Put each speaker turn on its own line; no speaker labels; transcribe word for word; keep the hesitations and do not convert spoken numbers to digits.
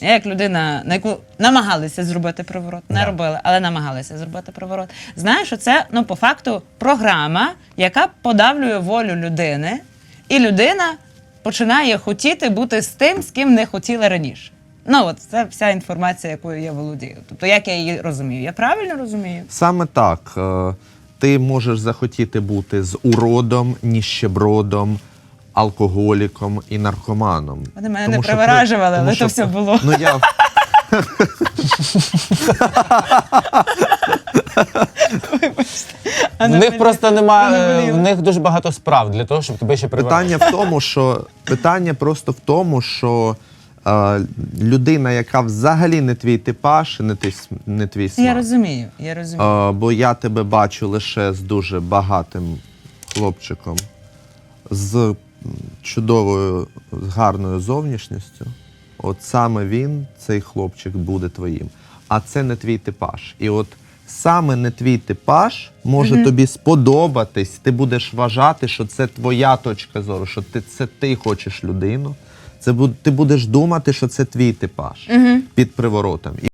Я як людина, на яку намагалися зробити приворот, не
Да.
робили, але намагалися зробити приворот. Знаю, що це, ну, по факту, програма, яка подавлює волю людини, і людина починає хотіти бути з тим, з ким не хотіла раніше. Ну, от це вся інформація, якою я володію. Тобто, як я її розумію? Я правильно розумію?
Саме так. Е, Ти можеш захотіти бути з уродом, ніщебродом, алкоголіком і наркоманом.
Вони мене
Тому
не
що при-
привиражували,
тому
але
що
то все
при-
було.
Ну, я...
А
В
не
них
болі-
просто
а
немає,
не
е,
боліло.
в них дуже багато справ для того, щоб тебе ще привели.
Питання в тому, що питання просто в тому, що е, людина, яка взагалі не твій типаж, не твій, с- не твій смак.
Я розумію, я розумію.
Е, бо я тебе бачу лише з дуже багатим хлопчиком, з м, чудовою, з гарною зовнішністю. От саме він, цей хлопчик, буде твоїм. А це не твій типаж. І от саме не твій типаж може тобі сподобатись, ти будеш вважати, що це твоя точка зору, що ти, це ти хочеш людину. Це, бу- ти будеш думати, що це твій типаж під приворотом.